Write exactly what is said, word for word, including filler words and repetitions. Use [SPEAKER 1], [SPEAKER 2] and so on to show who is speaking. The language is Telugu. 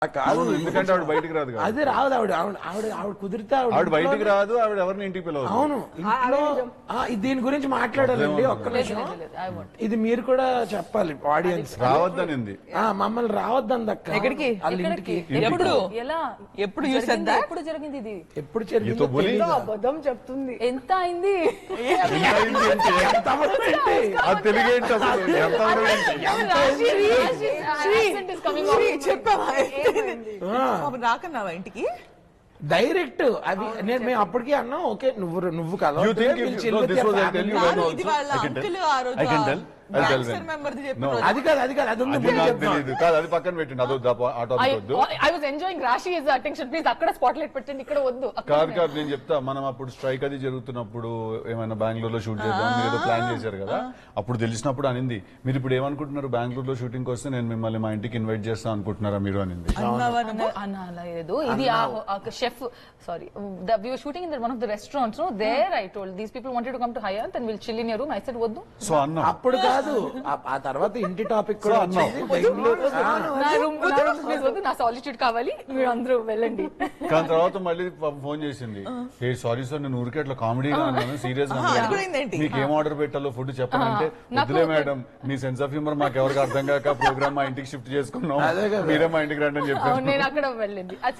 [SPEAKER 1] కాదు, ఎందుకంటే ఆవిడ బయటికి రాదు.
[SPEAKER 2] అదే రాదు ఆవిడ ఆవిడ ఆవిడ ఆవిడ కుదిరితే
[SPEAKER 1] ఆవిడ బయటికి రాదు, ఆవిడ ఎవరిని ఇంటికి పిలవదు.
[SPEAKER 2] అవును, ఇంట్లో దీని గురించి మాట్లాడాలండి. ఒక్క నిమిషం, ఇది మీరు కూడా చెప్పాలి ఆడియన్స్.
[SPEAKER 1] రావద్దనింది,
[SPEAKER 2] మమ్మల్ని రావద్దంది అక్క
[SPEAKER 3] ఎక్కడికి,
[SPEAKER 2] వాళ్ళ ఇంటికి.
[SPEAKER 3] ఎప్పుడు
[SPEAKER 4] ఎలా
[SPEAKER 3] ఎప్పుడు
[SPEAKER 4] ఎప్పుడు జరిగింది ఇది?
[SPEAKER 2] ఎప్పుడు జరిగింది?
[SPEAKER 4] అబద్ధం చెప్తుంది. ఎంత అయింది?
[SPEAKER 1] తెలుగేంటి అసలు?
[SPEAKER 3] చెప్పావా? రాకన్నావా ఇంటికి
[SPEAKER 2] డైరెక్ట్? అవి నేను మేము అప్పటికే అన్నాం, ఓకే నువ్వు నువ్వు కదా అది కాదు అది కాదు అది ఉంది.
[SPEAKER 1] కాదు, అది పక్కన పెట్టండి, అది వద్దు.
[SPEAKER 4] I was enjoying Rashi is attention, please అక్కడ స్పాట్ లైట్ పెట్టండి, ఇక్కడ వద్దు.
[SPEAKER 1] కాదు కాదు నేను చెప్తా, మనం అప్పుడు స్ట్రైక్ అది జరుగుతున్నప్పుడు ఏమైనా బెంగళూరు లో షూట్ చేద్దాం ఏదో ప్లాన్ చేశారు కదా, అప్పుడు తెలిసినప్పుడు అనింది, మీరు ఇప్పుడు ఏమనుకుంటున్నారు, బెంగళూరు లో షూటింగ్ వస్తే నేను మిమ్మల్ని మా ఇంటికి ఇన్వైట్ చేస్తా అనుకుంటున్నారా మీరు అనింది.
[SPEAKER 4] లేదు, ఇది chef sorry we were shooting in one of the restaurants, no there I told these people wanted to come to Hyatt and will chill in your room. I said వద్దు.
[SPEAKER 1] సో అన్నా
[SPEAKER 2] అప్పుడు కాదు, ఆ తర్వాత ఇంటి టాపిక్ కూడా
[SPEAKER 4] నా సాలిట్యూడ్ కావాలి, మీరు అందరూ వెళ్ళండి.
[SPEAKER 1] కానీ తర్వాత మళ్ళీ ఫోన్ చేసింది, ఏ సారీ సార్ నేను ఊరికే అట్లా కామెడీగా అన్నాను, సీరియస్ గా మీకు ఏం ఆర్డర్ పెట్టాలో ఫుడ్ చెప్పాలంటే వద్దులే మేడం, మీ సెన్స్ ఆఫ్ హ్యూమర్ మాకు ఎవరికి అర్థం కాక ప్రోగ్రామ్ మా ఇంటికి షిఫ్ట్ చేసుకున్నాం, మీరే మా ఇంటికి రండి అని చెప్పాను.
[SPEAKER 4] నేను అక్కడ వెళ్ళింది.